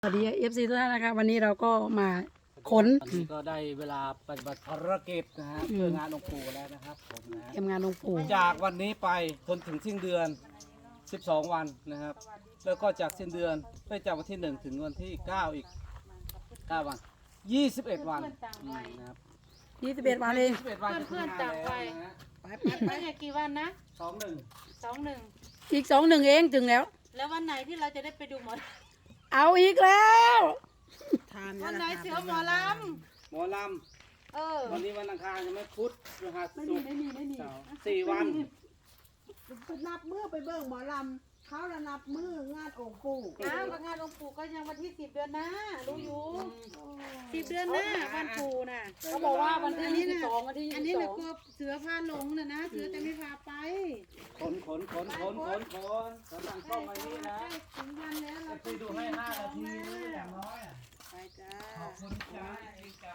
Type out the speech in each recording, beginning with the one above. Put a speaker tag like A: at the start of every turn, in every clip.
A: สวัสดีFC ทุกท่านนะครับวันนี้เราก็มาขน
B: ตอนนี้ก็ได้เวลาปฏิบัติภารกิจนะฮะเพื่องานองค์ปู่แล้วนะครับผมนะ
A: เตรียมงานหลวงปู่
B: จากวันนี้ไปจนถึงสิ้นเดือน 12 วันนะครับ แล้วก็จากสิ้นเดือนไปจากวันที่ 1 ถึงวันที่ 9 อีก 9 วัน 21 วันนะครับ
A: 21 วันเอง
B: 21 วันจะถึงงานแล้วนะฮะ
C: ไปเนี่ยกี่วันนะ
B: 21
C: 21
A: อีก21เองถึงแล้ว
C: แล้ววันไหนที่เราจะได้ไปดูหมอ
A: เอาอีกแล้ว
C: วันไหนเสือหมอล
B: หมอล
C: ำ
B: ำวันนี้วันอังคารยังไม่พุธพฤหัสศุกร์เสาร์4 วัน
D: นับมือไปเบิ่งหมอลำเขาระนับมืองานองค์ปู่
C: อ้าวงานหลวงปู่ก็ยังวันที่10 เดือนหน้ารู้อยู่10 เดือนหน้าวันปู่น่ะ
A: เขาบอกว่าวันที่22วันที่
C: อันนี้นะกลัวเสือพาหลงนะเสือจะไม่พาไป
B: ขนกำลังเข้ามานี่นะ
C: ใกล้ถึงวันแล้วเรา
B: ไปดูให้5 นาทีเลยอย่างน้อยอะ
C: ไปจ้า
B: ขอบคุณจ้าเองจ้า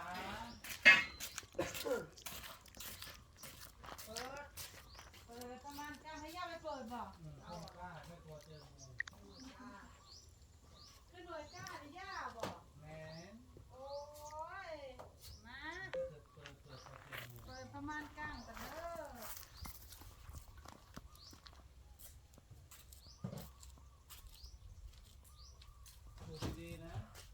C: เปิดประมาณจ้าให้ย่าไปเปิดบอกขึ้นหน่วยกล้าหรือย่าบอกโอ้ยมาเปิดประมาณกลางกันเด้อ
B: ดูดีๆนะ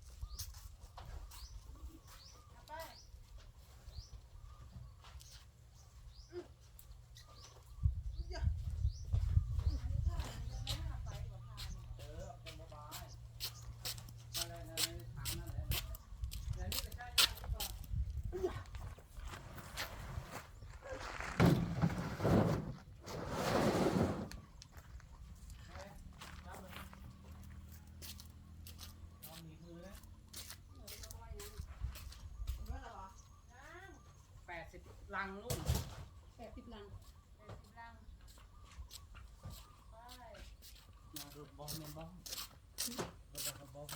B: 80 ลังนู่น
A: 80 ลัง
B: มาดูบอลเนี่ยบอลบอล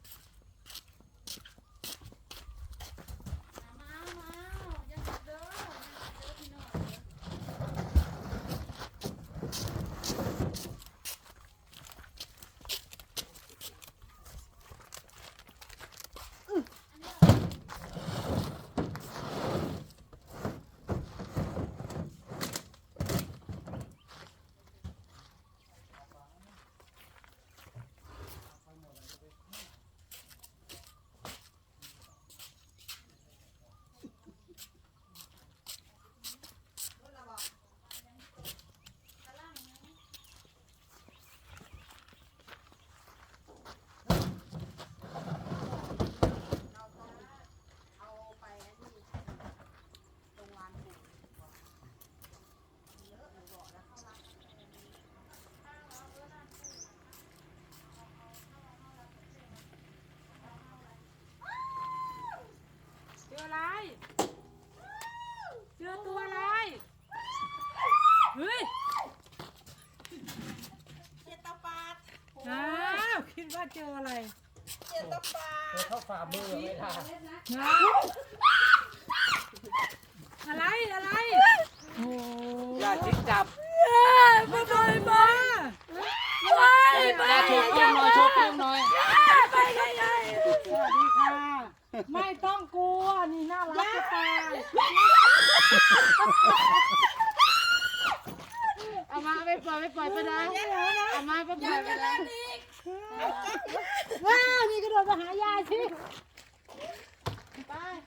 C: เสืออะไรเสือตัวอะไรเฮ้ย
D: เจตปาด
C: อ้าวคิดว่าเจออะไร
D: เจตปาด
B: เธอเข้าฝ่ามือไม่ได้
C: อะไรอะไร
B: อย่าทิ้งจับ
C: มาบอยมา
B: อย่าโชว์กล้องหน่อยโชว์กล้องหน่อย
C: ไปใหญ่ๆสวัสดีค่ะ ไม่ต้องกลัวนี่น่ารักจะตายเอามาไปปล่อยไปนะเอามาไปปล่อยไปนะว้าวนี่กระโดดมาหายายสิไป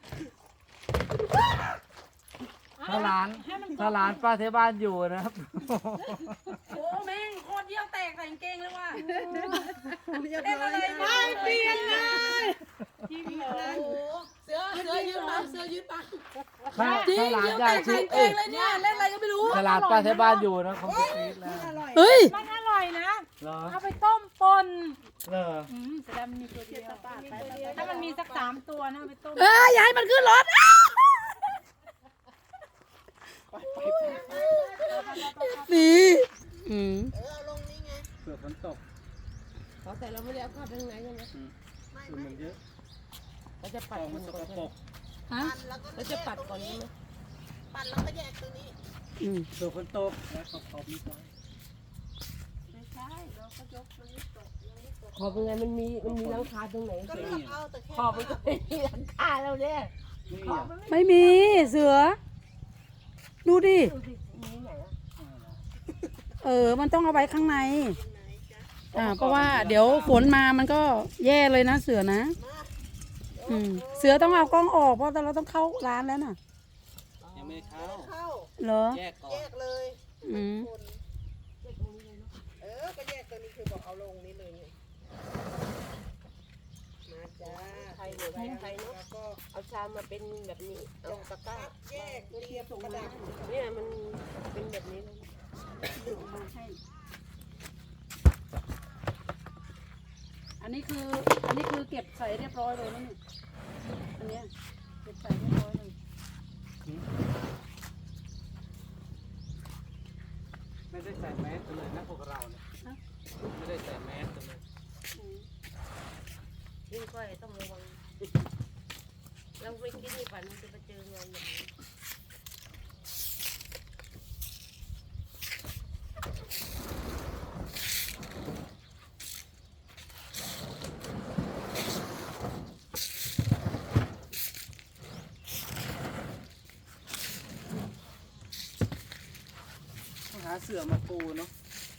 B: ถ้าหลานป้าเทบ้านอยู่นะครับ
A: โอ้แม่งโคตรเยี่ยวแตกใส่กางเกงเลยว่ะ
D: เรียบร้อย
C: ไม่เปลี่ยนเลยทีวีเลย
A: เสือยืนปังเสือยืนปัง
B: ถ้า
A: จริง
B: หลาน
A: เยี่ยว
B: อยา
A: แต
B: ก
A: กใส่
B: ชิม
A: กางเกงเลยเนี่ยเล่นอะไรก็ไม่รู้
B: ถ้าหลานป้าเทบ้านอยู่นะคงจะกรี๊ดแล้ว
A: เฮ้ย
C: มันอร่อยนะ
B: เหรอ
C: เอาไปต้มปน
B: เหรอ
C: แสดงมันมีตัวเดียวถ้ามันมีสัก3 ตัวนะเอาไปต้ม
A: อย่าให้มันขึ้นรถนี่อืม
D: เอาลงนี่ไง
B: เผื่อฝนตก
D: แต่เราไม่ได้เอาเข้าไปข้างในใช่ไหม
B: คือมันเยอะ
D: เราจะ
B: ข
D: ปัด
B: องมันสกปรก
A: ฮะ
D: เราจะปัดก่อนนี้ไหมปัดแล้วก็แยกตรงนี้
A: อืม
B: เผื่อฝนตกแล้วขอบนิดหน่อย
D: ไม่ใช่เราก็ยกตรงนี้ตกยังไม่ตก
E: ขอบเป็นไงมันมีหลังคาตรงไหน
D: ก็เลือกเอาแต่แค่
E: ขอบมันก็ไม่มีหลังคาแล้วเนี่ย
B: นี่
E: ขอบ
B: อ่ะ
E: มันไม่
A: ไม่มีเสือ ดูดิ
E: ดูสิมีไหนอ่ะ
A: มันต้องเอาไว้ข้างในเพราะว่าเดี๋ยวฝนมามันก็แย่เลยนะเสือนะ เสือต้องเอากล้องออกเพราะเราต้องเข้าร้านแล้วน่ะ
B: ยังไม่เข้า
D: เข้า
A: เหรอ
B: แยกก่อ
D: แย
B: น
D: กเลย
A: อืม
D: คนก็แยกตัวนี้คือบอกเอาลงนี้เลยไงมาจ้า
E: ไทยหรือไทยเนาะ
D: แล้วก็
E: เอาชามมาเป็นแบบนี้เอาตะกร้า
D: แยกเรียบกระดาษ
E: เนี่ยมันเป็นแบบนี้เลย
A: อันนี้คือเก็บใส่เรียบร้อยเลยนะนี่อันเนี้ยเก็บใส่เรียบร้อยเลย
B: ไม่ได้ใส่แมสกันเลยนะพวกเราเนี่ยไม่ได้ใส่แมสกันเลย
E: ยิ่งก้อยต้องระวังเราไปกินในฝันมันจะไปเจองานแบบนี้
B: ต้องหาเสื่อมาปูเนาะ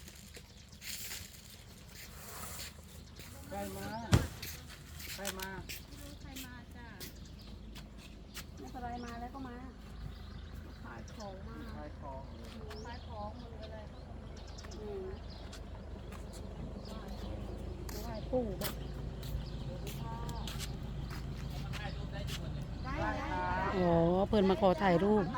B: ใครมาใครมา
A: ไม่เป็นไรมาแล้วก็มา
B: ขายของ
A: อืมไหว้ปู่บ้าง อ๋อเพิ่นมาขอถ่ายรูป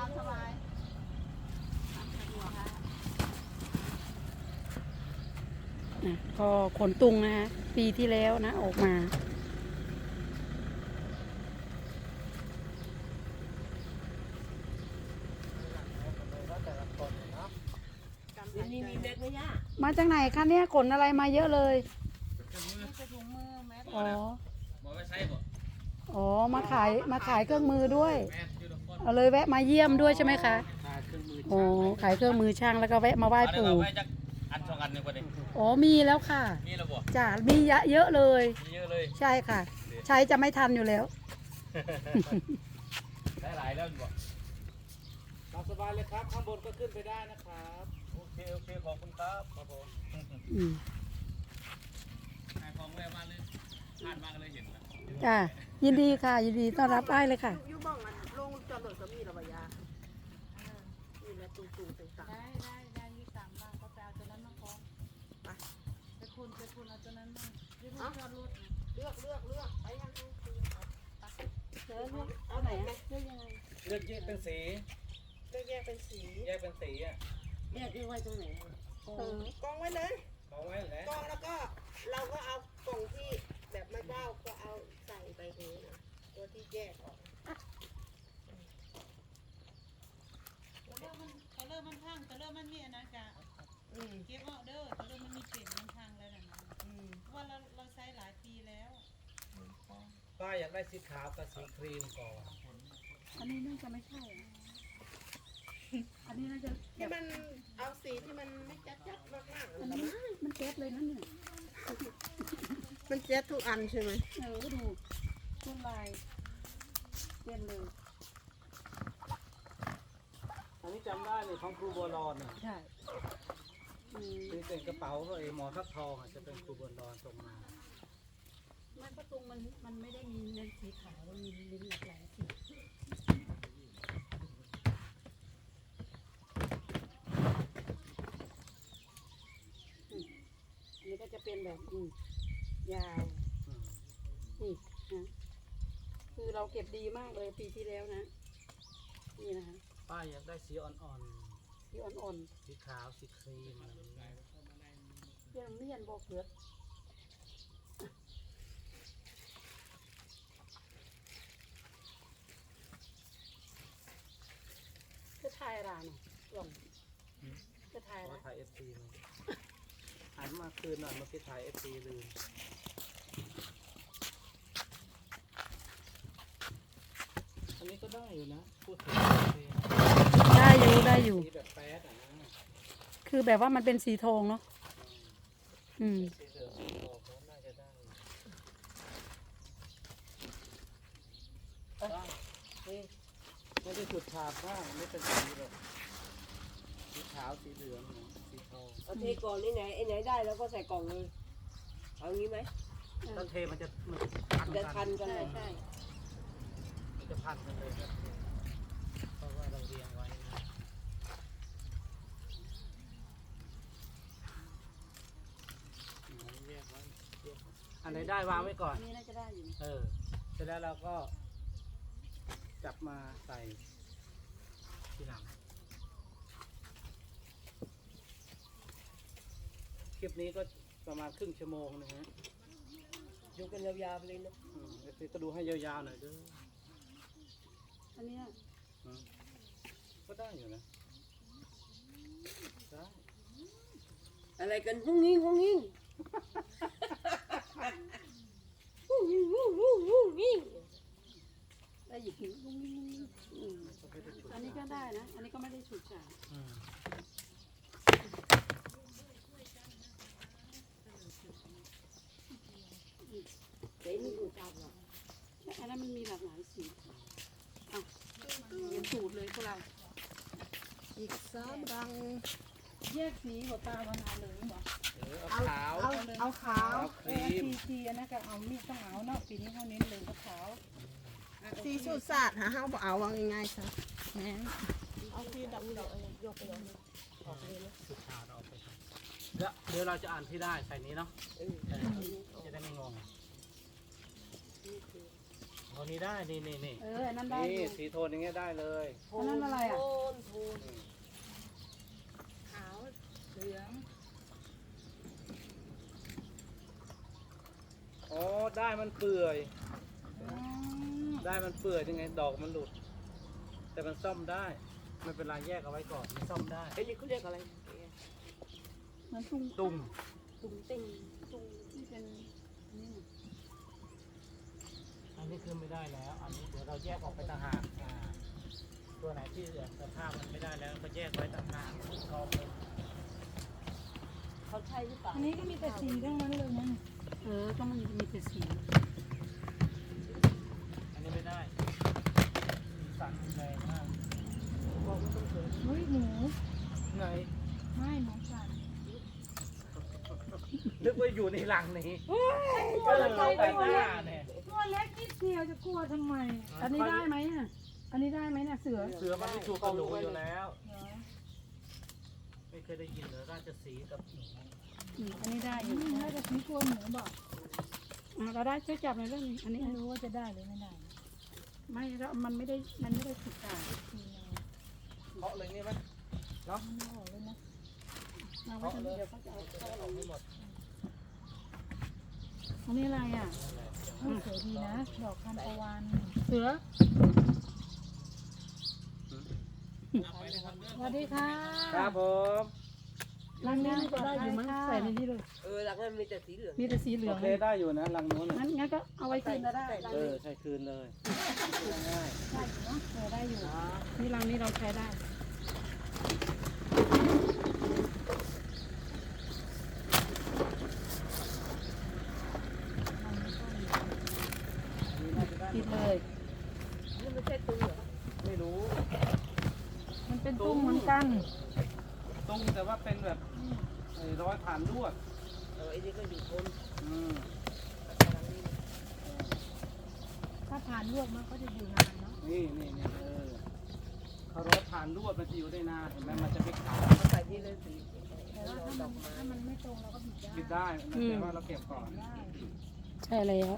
A: นะก็ขนตุงนะคะปีที่แล้วนะออกมา
E: นี่มีเม็ดไหมย่า
A: มาจากไหนคะเนี่ยขนอะไรมาเยอะเลยอ๋ออ๋อมาขายเครื่องมือด้วย เอาเลยแวะมาเยี่ยมด้วยใช่ไหมคะ
B: ขายเครื่องมือ
A: โอ้ขายเครื่องมือช่างแล้วก็แวะมาไหว้ปู่
F: อันสองอันหนึ่งประเด็น
A: อ๋อมีแล้วค่ะ
F: มีระบบ
A: จ้ะมีเยอะเลย
F: มีเยอะเลย
A: ใช่ค่ะ ใช้จะไม่ทันอยู่แล้ว
F: ได้หลายแล้วบอก
B: ตามสบายเลยครับ ข้างบนก็ขึ้นไปได้นะครับ
F: โอเคขอบคุณครับครับผม
A: อืม
F: ขายของแวะมาเลยผ่านมาก็เลยเห็นนะ
A: จ้ะยินดีค่ะ ยินดีต้อนรับได้เลยค่ะ
D: อยู่บ้องอันลงจอดรถก็มีระบายานี่แหละตูต่าง
C: ได้ยี่สามบาทก็ไปเอาตัวนั้นมาฟ้องไปคุณเอาตัวนั้นมาที่มันจอดรถ
D: ๆเลือกไปยังไง
A: เจอลูกเอาไหนอะเลือกยังไง
B: เลือกแยกเป็นสี
D: เลือกแยกเป็นสี
B: แยกเป็นสีอ่ะ
E: แยกไว้ตรงไหนอะ
D: กองไว้เลย
B: มองไว้อยู่แล้ว
D: กองแล้วก็เราก็เอากล่องที่แบบไม่เบ้าก็เอาใส่ไปนี้นะตัวที่แยกออก
C: เขาเริ่มมันพังเขาเริ่มมันมีอันนั้นกะเก็บเอาเด้อเขาเริ่มมันมีเปลี่ยนมันพังแล้วนะเพราะว่าเราใช้หลายปีแล้ว
B: ป้าอยากได้สีขาวกับสีครีมก่อน
A: อันนี้น่าจะไม่ใช่อะอันนี้น่าจะ
D: ที่มันเอาสีที่มันไม่จัดมาก
A: อันนี้มันแก๊สเลยนะเนี่ย
D: ๆมันเจ็ดทุกอันใช่ไหม
A: ก็ดูต้นลายเปลี่ยนเลย
B: อันนี้จำได้เลยของครูบัวรอนเนี่ย
A: ใช่อืม
B: ที่เป็นกระเป๋าไอ้หมอทักทองอ่ะจะเป็นครูบัวรอนส่งมา
A: ไม่ประตูมันไม่ได้มีเลนสีขาวมันมีเลนหลากหลายสีอันนี้ก็จะเป็นแบบยาว
B: อืม
A: นี่นะคือเราเก็บดีมากเลยปีที่แล้วนะ นี่นะคะ
B: ป้าอยากได้สีอ่อน
A: ที่อ่อน
B: ๆ สีขาว สีครีมอะไรอย่างเงี้ย
A: ๆเรื่องเมียนบอกเผือกคือไทยร้านลองคือไทย
B: ขอ
A: ร้าน
B: ถ่าย FC มาหันมาคืนหน่อยเมื่อกี้ถ่าย FC ลืม อันนี้ก็ได้อยู่นะ พูดถึง FC
A: ได้อยู่
B: สีแบบแป๊ดอ่ะนะ
A: คือแบบว่ามันเป็นสีทองเนาะ อืม
B: สีเหลืองสีทองเขาน่าจะไม่ได้จุดฉาบบ้างไม่เป็นสีเลยสีขาวสีเหลืองสีทอง
E: เอาเทก่อนนี่ไหนไอ้ไหนได้แล้วก็ใส่กล่องเลยเอางี้ไหม
B: ต้นเทมันจะพัน
E: จะ
B: กั
E: ทั
B: น
E: นกันเลยใช่
B: มันจะพันกันเลยครับเพราะว่าเราเรียงไว้นะแยกไว้อันไหนได้วางไว้ก่อน
A: อันนี้น่าจะได้อยู่
B: เสร็จแล้วเราก็จับมาใส่ทีหลังคลิปนี้ก็ประมาณครึ่งชั่วโมงนะฮะ
E: ดูกันยาวๆไปเลยนะ
B: เดี๋ยวก็ดูให้ยาวๆหน่อยเด้วย
A: อันเนี้ย
B: ก็ได้อยู่นะได้
E: อะไรกันหุ้งงิ้งหุ้งงิ้งหุ้งงิ้งหุ้งงิ้งหุ้งงิ้ง
A: ได้หยิบหินอันนี้ก็ได้นะ อันนี้ก็ไม่ได้ฉุดฉาบ
B: อืม
E: เดี๋ยวนี่ดูตามเรา
A: อันนั้นมันมีหลากหลายสีอ่ะเรียนสูตรเลยพวกเรา
D: อีก3 รัง
A: แยกสีหัวตาวันเอาเลยเหรอ
B: เอาขาว
D: เอาขาว
B: เอาครีม
A: ทีอันนั้นก็เอามีดต้องเอาเนาะปีนี้เขาเน้นเลยขาว
D: สีสูตรศาสตร์หาเฮาบ่เอาว่าง่ายๆซะ
A: ๆแม่น
E: เอาที่ดำเดี๋ยวอะไรยกไปเลย
B: ออกเลยนะสุดขาวเราเอาไปครับเดี๋ยวเราจะอ่านที่ได้ใส่นี้เนาะจะได้ไม่งงเอานี้ได้นี่
A: อันนั้นได้อ
B: นี่
A: ยู่
B: สีโทนอย่างเงี้ยได้เลย
A: อันนั้นอะไรอ่ะ
E: โทนขาว
A: เหลือง
B: อ๋อได้มันเปื่อย
A: อืม
B: ได้มันเปื่อยยังไงดอกมันหลุด แต่มันซ่อมได้ไม่เป็นไรแยกเอาไว้ก่อนมันซ่อมได้
E: ไอ้นี่เขาเรียกอะไร
A: เหมือนตุ้ง
B: ตุ่ม
E: ตุ้งเต้งตุ้ง
A: ที่เป็นนี่น่ะ
B: อันนี้คือไม่ได้แล้ว อันนี้เดี๋ยวเราแยกออกไปต่างหากตัวไหนที่สภาพมันไม่ได้แล้วก็แยกไว้ต่างหากกองเลย
E: เขาใช่หรือเปล่า
A: อันนี้ก็มีแต่สีทั้งนั้นเลยนะก็มันมีแต่สี
B: อันนี้ไม่ได้สีสันแรงมาก
A: เฮ้ยหมู
B: ไง
A: ไม่หมูสัน
B: นึกว่าอยู่ในรังนี้
A: ตัวเล็ก
B: ไปหน้าเนี่ย
A: ตัวเล็กนิดเดียวจะกลัวทำไม อันนี้ได้ไหมอ่ะอันนี้ได้ไหมน่ะเสือ
B: เสือมันไม่ถูกกับหนูอยู่แล้ว ไม่เคยได้ยินเลยราชสีห์กับหนู
A: อันนี้ได้อยู่น่าจะสีกลัวหมูบอกเราได้ช่วยจับในอยเรื่องนี้อันนี้ไม่รู้ว่าจะได้หรือไม่ได้ ไม่แล้วมันไม่ได้สุดขาด
B: เคาะเลยนี่ไหมเนาะ
A: มาไว้
B: เคาะ
A: ทำ
B: เลย
A: เดี๋ยวเขาจะเอา
B: เคาะออกให้หมด
A: อันนี้อะไรอ่ะ
C: สวยดีนะ ดอกทานตะวัน
A: เสือ
C: สวัสดีค่ะ
B: ครับผม
A: รังนี้น่าจะได้อยู่มั้งใส่ในนี้เลย
E: หลังนั้นมีแต่สีเหลือง
A: มีแต่สีเหลื
B: โอ
A: อง
B: เคได้อยู่นะรังนู้นน่ะ
A: งั้นก็เอาไว้คืนก็ได้
B: ใช้คืนเลยง่าย
A: ได้อยู่เนาะได้อยู่นี่รังนี้เราใช้ได้ ปิดเลย
E: นี่ไม่ใช่ตุ้งเหรอ
B: ไม่รู้
A: มันเป็นตุ้งเหมือนกัน
B: ตรงแต่ว่าเป็นแบบไอ้ร้อยผ่านลวด
E: ไอ้นี่ก็อยู่ทน
B: อืม
C: ถ้าผ่านลวกมันก็จะอยู่นานเนาะ
B: นี่เขาร้อยผ่านลวดมันจะอยู่ได้นานเห็นไหมมันจะไม่ขาด
E: ใส่นี่เลยสี
C: แต่ว่าถ้ามันไม่ตรงเราก็บิดได้
B: ปิดได้แต่ว่าเราเก็บก่อน
A: ใช่แล้ว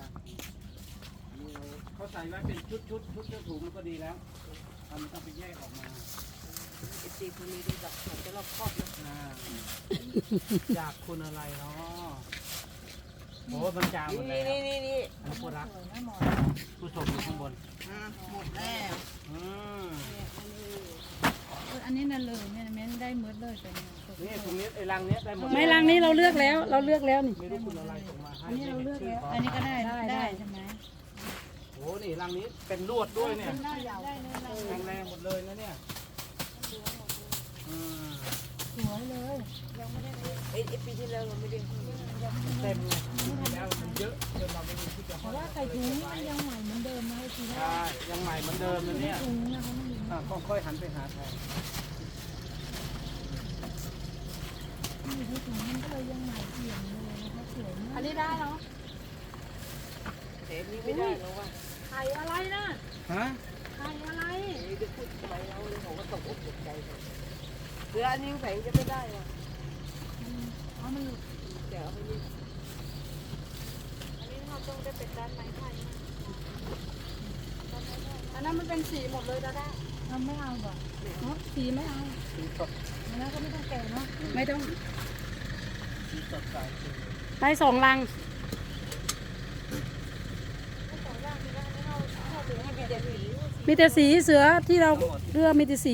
B: เขาใส่ไว้เป็นชุดเจ้าถุงมันก็ดีแล้วทำต้องไปแยกออกมา
E: ไอ้สีคนนี้ดูแบบมันจะรอบครอบนะ
B: จากคุณอะไรเนาะโอ้มันจางหมดแล้ว
E: นี่
B: อันนี้ผู้รัก
C: สวยนะหมอ
B: ผู้ชมอยู่ข้างบน
D: หมดแล้ว
B: อืม
C: อันนี้นั่นเลยเนี่ยแม่นได้เมืดเลยแต่เนี่ย
B: นี่ตรงนี้ไอ้รังเนี้ยได้หมด
A: ไม่รังนี้เราเลือกแล้ว เราเลือกแล้วนี่
B: ไม่รู้คุณอะไรส่งมาให้
A: อันนี้เราเลือกแล้ว
C: อันนี้ก็ได้ได้ใช่ไหม
B: โอ้นี่รังนี้เป็นลวดด้วยเนี่ย
C: ได้ได้เลย
B: แข็งแรงหมดเลยนะเนี่ยอืม
C: สวยเลยยังไม่ได้
E: ไอ้ปีที่แล้วเราไม่ได้เต็มเลย
F: แล้วมันเยอะจนเราไม่รู้ที่จะ
C: เพราะว่าใส่ถุงมันยังใหม่เหมือนเดิมนะไอ้ทีแร
B: ใช่
C: ก
B: ยังใหม่เหมือนเดิมนะเนี่ย
C: ถุงนะเขาไม่มี
B: ก็ค่อยหันไปหาแทน
C: มีที่ถุงมันก็เลยยังใหม่เอี่ยมเลยนะคะสวยมากอันนี้ได้เนาะ
E: แต่อันนี้ไม่ได้แล้วว่ะ
C: ไข่อะไรนะ
B: ฮะ
C: ไข่อะไร
E: อันนี้จะพูดทำไมเราเลยผมก็ตกอกตกใจเลยเรืออันนี้แฝงจะไม่ได้ว่ะ
C: อ๋อมันหลุด
E: เดี๋ยวเอาไปนี่
C: อันนี้เราต้องได้เป็นด้านไม้ไผ่อันนั้นมันเป็นสีหมดเลยด้าด้าเราไม่เอาบ่เนาะสีไม่เอา
B: สีสด
C: อันนั้นก็ไม่ต้องแก่เนาะ
A: ไม่ต้อง
B: สีสดใส
A: ได้สองลัง มีแต่สีเสือที่เราเลือกมีแต่สี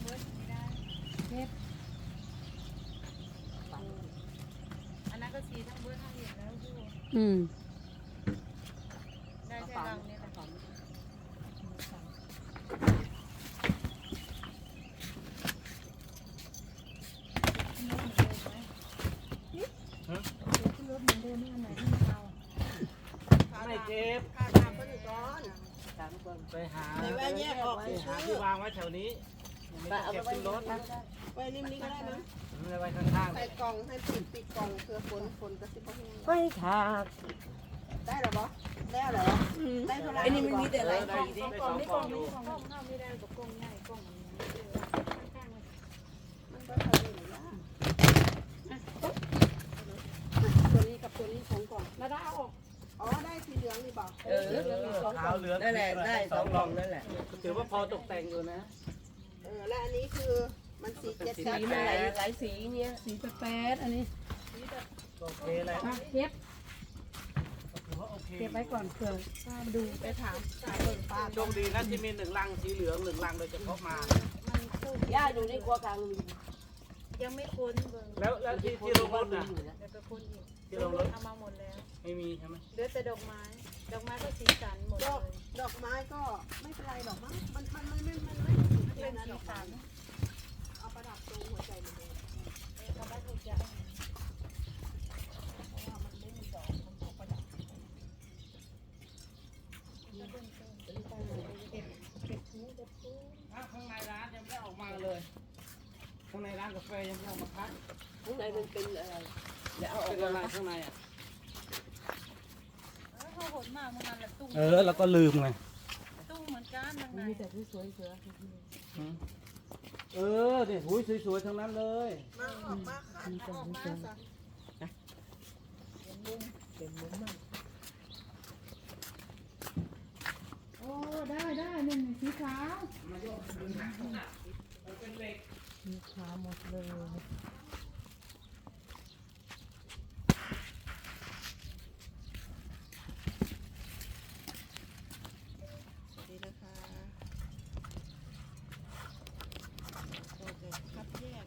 C: อันนั้นก็สีทั้งเบิร์ดทั้งเหรียญแล้วพี่
A: อืม
C: ได้แค่รังเนี่ยแหละขึ้นรถเหมือนเดิมไม่อันไหนที่ไม่เอา
B: ไม่เจ็บ
D: ขาดน้ำก็อยู่ก่อน
E: ตามคน
B: ไปหา
D: ไหนว่าแยกออก
B: ไป
D: ซื้
B: หา
D: อ
B: ที่วางไว้แถวนี้ยังไม่ต้องเก็บขึ้นรถ
D: ไว้ริมนี้ก็ได้มั้ง
B: ไม่ไว้ข้าง
D: ใส่กล่องให้ปิดกล่องเพื่อฝนกระซิบเขาให้
E: ไม่ขาด
D: ได้หรอบ่ได้เหรอได้เท่าไหร่
E: ไอ้นี่มันมีแต่
B: ๆ
E: หลาย
B: ได้
E: สีดิ
B: ได้สองกล่องอยู่
C: กล้องเข้าไม่ได้กับกล้องใหญ่กล้องอันนี้ข้างๆเลย
D: มันก็เท่านี้ละ
C: ตัวนี้กับตัวนี้สองกล่องแล้วได้เอาออก
D: อ๋อได้สีเหลืองนี่บอก
E: เออ
B: ขาวเหลือง
E: นั่นแหละได้สองกล่องนั่นแหละ
B: ถือว่าพอตกแต่งอยู่นะ
D: และอันนี้คือมันสีเจ็ด
E: สี
D: จัด
E: มันหลายสีเนี้ย
A: สีแป๊ดๆอันนี้
B: โอเคเลย
A: อ่ะเก็บ
B: ถือว่าโอเค
A: เก็บไว้ก่อนเผื่อป้าดู
D: ไปถามเปิดป้า
B: โชคดีนะที่มีหนึ่งลังสีเหลืองหนึ่งลังโดยเฉพาะมา
E: ย่าอยู่ในครัวกลางมี
C: ยังไม่ค้นเบิ่ง
B: แล้วที่ลงรถน่ะ
C: เดี๋ยวไปค้นอีก
B: ที่ลงรถ
C: เอามาหมดแล้ว
B: ไม่มีใช่ไหม
C: เหลือแต่ดอกไม้ ดอกไม้ก็สีสันหมด
D: ด
C: เล
D: อก
C: ย
D: ดอกไม้ก็ไม่เป็นไรดอกมั้งมันไม่
C: เป็น
D: นะ
C: สี
D: ดอกไม้
C: สัน
D: เอาประดับตรงหัวใจมันเลย
C: เขาได้ถูกใจ
B: ข้างในร้านยังไม่ออกมาเลย ข้างในร้านกาแฟยังไม่ออกมาคัด
E: ข้างในมันเป็นอะไรเดี๋ยวเอาออ
B: เป็
E: ก
B: นอะไร
E: มา
B: ข้างในอ่ะ
C: เขาหดมากเมื่อนั้นแหละตุ้ง
B: แล้วก็ลืมไง
C: ตุ้งเหมือนกันทางใน
E: มีแต่สวยๆเสือ
B: เนี่ยหูยสวยๆทั้งนั้นเลย
D: มาออกมาค่ะออกมาซะ
E: เป็นมุ้งมาก
C: โอ้ได้ได้นี่สีขาวสีขาวหมดเลย
D: สวัสดีนะคะเราจะคัดแยก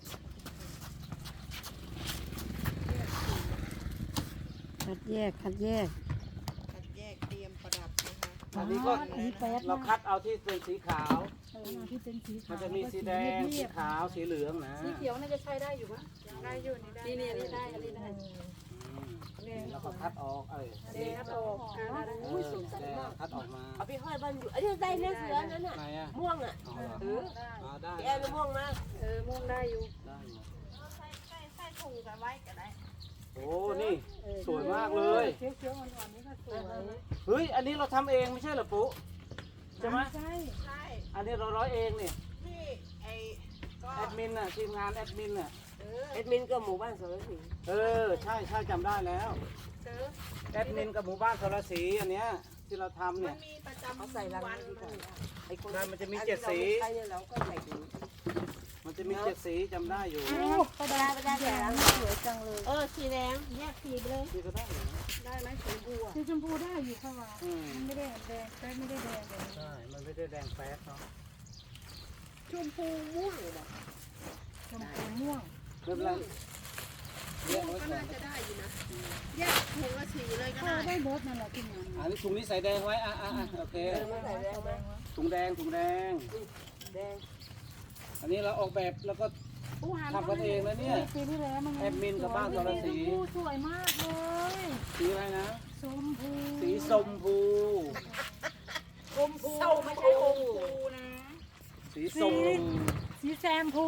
A: คัดแยกคัดแยก
D: คัดแยกเตรียมประดับนะคะ
B: อันนี้ก็
A: อันนี้แป๊ด
B: เรา
A: มาก
B: คัดเอาที่เป็นสีขาว
C: ที่เป็นสี
B: มั
C: ขาน ว
B: จะมีสีแดง สีขาว สีเหลืองนะ
C: สีเขียวน่าจะใช้ได้อยู่ปะได้อยู่นี่ได้นี่ได้อันนี้ได้
B: เราก็คัดออก
C: แดงครับออกได้
B: แดงคัดออกมา
E: เอาไปห้อยบ้านอยู่อันนี้ได้เนี่ยเสือนั้นน่ะ
B: ไหนอ่ะ
E: ม่วงอ่ะ
B: อ๋อเหรอ
E: เออ
B: ได้
E: แอนม่วงนะ
C: ม่วงได้อยู่
B: ได้หมด
D: ใส่ถุงกันไว้ก็ได้
B: โอ้ นี่ สวยมากเลย
C: เขียวๆอ่อนๆนี่ก็สวย
B: เฮ้ย อันนี้เราทำเองไม่ใช่เหรอปุ๊ใช่ไหม
C: ใช่
D: ใช่
B: อันนี้เราร้อยเองเนี่ย
D: ที่ไอ้ก็
B: แอดมินน่ะทีมงานแอดมินน่ะ
E: เอ็ดมินก็หมู่บ้านสารสิน
B: ใช่จำได้แล้วแอดมินกับหมู่บ้านสรศรีอันเนี้ยที่เราทำ
D: มั
B: เนี่ย
D: นมีประจำ
E: เขาใส่รัง
D: วัน
E: ดีกว่า
B: ไอ้คนนั้นมันจะมี7 สี
E: ใครเนี่ยเราก็ใส่ถุง
B: มันจะมี7 สีจำได้อยู่
E: ประดาแดงสวยจังเลย
D: สีแดงแยกสีไปเลย
B: นี่ก็ได้อยู่นะ
D: ได้ไหมสีบัว
C: สีชมพูได้อยู่ค่ะว่า
B: อืม
C: มันไม่ได้แดงแต่ไม่ได้แดงเลย
B: ใช่ มันไม่ได้แดงแป๊ดเนาะ
D: ชมพูม่วงเหรอ
C: ชมพูม่วง
B: เริ่มแรกแย
D: ม่ว
B: ก
D: ง
B: ไว้
D: ก็
B: ก่อ
D: น่าน จะได้อยู่นะแยกถุงละสีเลยก็
C: ก็
D: ได้
C: ได้เบิร์ดนั่นแหละที่งาน
B: อันนี้ถุงนี้ใส่แดงไว้ โอเค
E: ไม่ใส่แดงไหม
B: ถุงแดง
E: แดง
B: อันนี้เราออกแบบแล้วก็
A: ผู้หัน
B: ทำกันเองนะเนี่ย
A: ปีที่แล้วมัน
B: แอดมินกับบ้านตรสี
A: ผู้สวยมากเลย
B: สีอะไรนะ
A: ชมพู
B: สีชมพู
A: ชมพูไม่ใช่ชมพูนะ
B: สีส้ม
A: สีแซมพู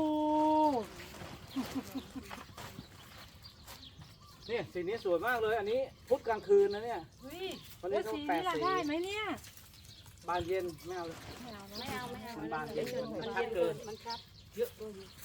B: เนี่ยสีนี้สวยมากเลย อันนี้พุธกลางคืนนะเนี่ย
A: วิ
B: วันนี้
A: แล้ว
B: ต้อง
A: สี
B: แปด
A: นี้ล่ะ
B: สี
A: ได้ไหมเนี่ย
B: บานเย็นไม่เอาเลย
A: ไม่เอา
B: มันบานเย็น
A: มัน
B: ชั
A: เย็
B: ด
A: น
B: เกิ
A: เกิ
B: น
A: นมันครับ
B: เยอะ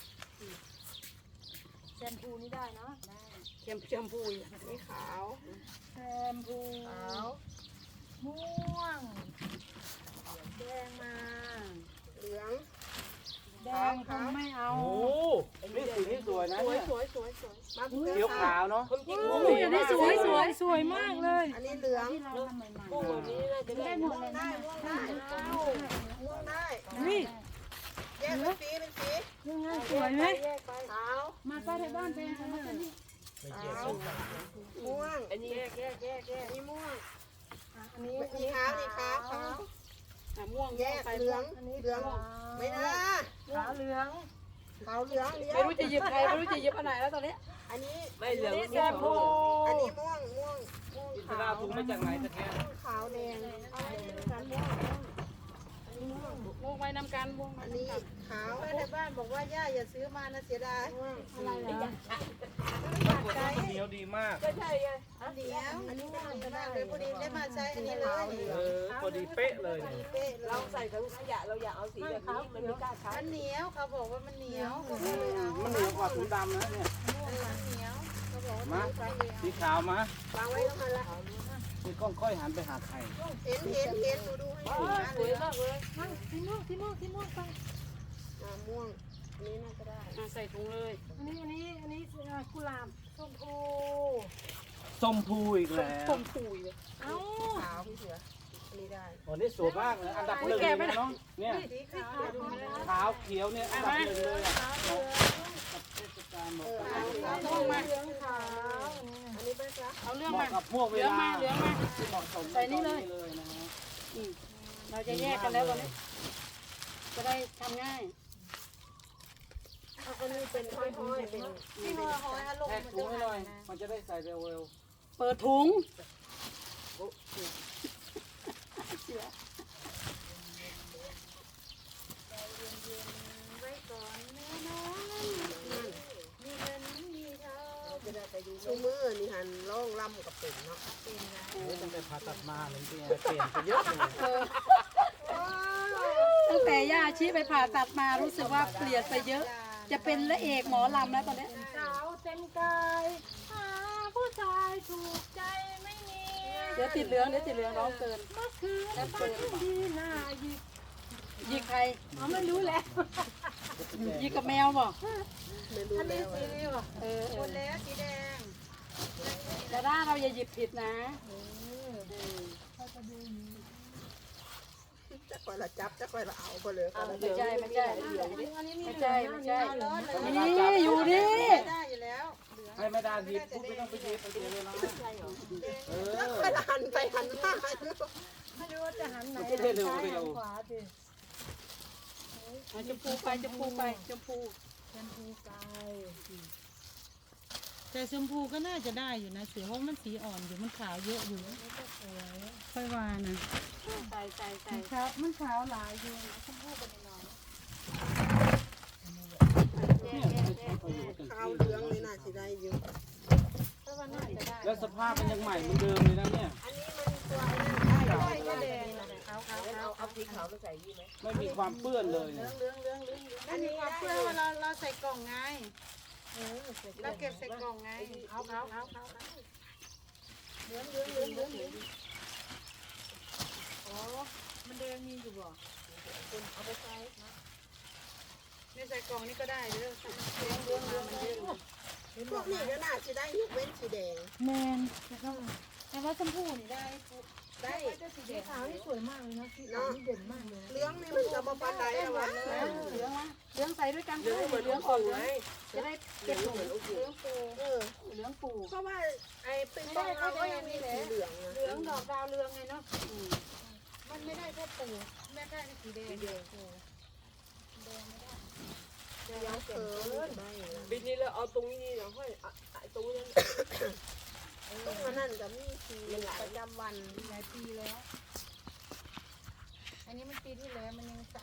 A: แชมพูนี่ได้เนาะได้แชมพูอีก
D: นี่ขาว
A: แชมพู
D: ขาว
A: ม่วงแดงมา
D: เหลือง
A: แดงคงไม่เอา
B: โอ้นี่สีนี้สวยนะ
D: สวย
B: เนี่ย
D: สวยสวยสวยมาพี่
B: เขียวขาวเนาะ
E: ผมจริง
A: โอ้ยอันนี้สวยสวยมากเลย
D: อันนี้เหลือง
A: ที่เราทำใหม่
E: พวกวันนี้น่าจะได้
A: ได้หมดเลยนะ
D: ม่วงได้
A: นี่
D: แยกเป็นสีเป็นสี
A: ยังไงสวยไหม
D: แยกไปขาว
A: มาป้าที่บ้านเป็นของมันนี่
D: ขาวม่วง
E: อันนี้แยก
D: อันนี้ม่วง
A: อันนี้
D: นี่ขาวนี่ขาวขาว
A: ม่วง
D: แยกเหลืองเหลืองไม่ได้
A: ขาวเหลือง
D: ขาวเหลืองเหลือง
A: ไม่รู้จะหยิบใครไม่รู้จะหยิบอันไหนแล้วตอนนี้
D: อันนี้
E: ไม่เหลือง
A: แชมพู
D: อันนี้ม่วงม่วงม่วง
B: อิส
D: ขา
B: ราว ถุงมาจากไหนตะแก
D: ขาวแดงเอาอันนี้ด้วยกันม่วงอันนี้ม่วง
A: ม่วงไว้นำกันม่วง
D: อันนี้ขาวในบ้านบอกว่าย่าอย่าซื้อมานะเสียดายม่วง
A: อะไรเหรอ
B: เหนียวดีมาก
E: ก็ใช่ไง
D: อันเดียวอันนี้ม่วงมากเลยพอดีได้มาใช้อันนี้เลย
B: พอดีเป๊ะเลยเนี่ย
D: เป๊ะเล
E: เรา
D: ย
E: ใส่ถังขยะเราอย่าเอาสีแบบนี้มันไม่กล้าใช้
D: มันเหนียวเขาบอกว่ามันเหนียวเขาก็เลยเอา
B: มันเหนียวกว่าถุงดำนะเนี่ย
D: มันเหนียวเขาบอกว่า
B: มา
D: ใช้เลย
B: สีขาวมา
D: วางไว้ตรงนั้นละ
B: นี่กล้องค่อยหันไปหาใคร
D: เห็นดูให้ถูกนะ
E: สวยมากเลย
A: สีม่วงไป
D: ม่วงอันนี้น่าจะได้
A: ใส่ถุงเลยอันนี้กุหลาบส้มพู
B: ส้มพูอีกแล้ว
A: ส้มพูเลยเอ้า
D: ขาวพี่เสืออันนี้ได้
B: วันนี้สวยมากเลยอันดับหนึ่งเลยนะน้องเนี่ย
D: สีขาวดูไม่ได้
B: ขาวเขียวเนี่ยอันดับหนึ่งเลยอ่ะกับเทศกาลหมด
A: เอาม่วงมาเหลืองขาว
D: อันนี้เป็นจ้ะ
A: เอาเรื่อง
B: เห
A: มา
B: มาะกับพวกเวลา
A: เหลืองมา
B: ที่เหมาะสม
A: ใส่นี่เลย
B: เลยนะฮะ
A: เราจะแยกกันแล้วตอนนี้ จะได้ทำง่าย
D: อันนี้เป็นห้อยๆเป็นที่ห้อยๆฮะลง
B: แทก
D: มัน
B: ถุ
D: จะ
B: งให้ห
D: หา
B: น่อย
D: ยนะ
B: มันจะได้ใส่เร็ว
A: เปิดถุง
D: ไว้ก่อนแม่น้องมีเงินมีทองจะได้ไปดูชูมือนี่หันล่องล่ำกับเป็นเนาะเป็นนะ
B: ๆโอ้ยตั้งแต่ผ่าตัดมาเลยเปลี่ยนไปเยอะเลย
A: ตั้งแต่ย่าชี้ไปผ่าตัดมารู้สึกว่าเปลี่ยนไปเยอะ จะเป็นละเอกหมอลำแล้วตอนนี้สาวเต็มกายหาผู้ชายถูกใจไม่มีเดี๋ยวติดเหลืองร้องเกินเมื่อคืนฝันดีน่าหยิกใครอ๋อไม่รู้แล้วหยิกกับแมวบ่
D: ไม่รู้แล้ว
A: สีนี้บ่
D: หมดแล้วสีแดง
A: แต่ถ้าเราอย่าหยิบผิดนะ
D: จะคอยละจับจะคอยละเอาไปเลย
A: ไม่ใช่ไม่ใช่นี่อยู่นี่
D: ได้อยู่แล้ว
B: ให้ไม่ได้หยิบปุ๊บไม่ต้องไปหยิบไปเสียเวลาเอ
D: แล้ว
B: อ
D: คอยหันไปหันมา
A: ไม่รู้ว่าจะหันไหน
B: มันจะได้เร็วเร็ว
A: ขวาดิชมพูไปชมพูไปชมพู
C: แต่ชมพูก็น่าจะได้อยู่นะเสือเพราะมันสีอ่อนอยู่มันขาวเยอะอยู่ค่อยวานะ
A: ใส่
C: มันขาวหลายอยู่
B: เนี่ยมันใช้ประโยชน์กัน
D: ขาวเหลืองเลยน่าสิได้อยู่
B: แล้วสภาพมันยังใหม่เหมือนเดิมเลยนะเนี่ย
D: อันนี้มันตัวนั้นได้ก็แดงขาว
E: เอาสีขาวมาใส่ดีไหม
B: ไม่มีความเปื้อนเลยเนี่ย
D: อันนี้เพื่อเราใส่กล่องไงเราเก็บใส่กล่องไงขาวเหลืองมันแดงมีอยู่บ่เอาไปใส่ในใส่กล่องนี่ก็ได้เด้อเหลืองมันเยอะพวกนี้ก็น่าจะได้ยกเว้นสีแดง
C: แมนแต่ว่าชมพูนี่ได้
D: ได้
C: สีขาวนี่สวยมากเลยนะสีขาวนี่เด่นมากเลย
D: เหลืองนี่มันจะมาปานใดหรอวะ
A: เหลืองมาเหลืองใส่ด้วยกันเหลืองอ่อนเลยจะได้เก็บหนูเหลืองปู เหลืองปู
D: เพราะว่าไอ้ปิงปองเราก็ยังมีสีเหลือง
A: เหลืองดอกดาวเรืองไงเนาะ
C: มันไม่ได้แค่ปูแม่ได้สีแดง
D: ยังเขินได้
E: ปีนี้เราเอาตรงนี้เนาะค่อยตรงนั้น
D: ต้องมานั่นกับมีทีประจำวัน
C: หลายปีแล้ว อันนี้มันปีที่แล้วมันยังสะ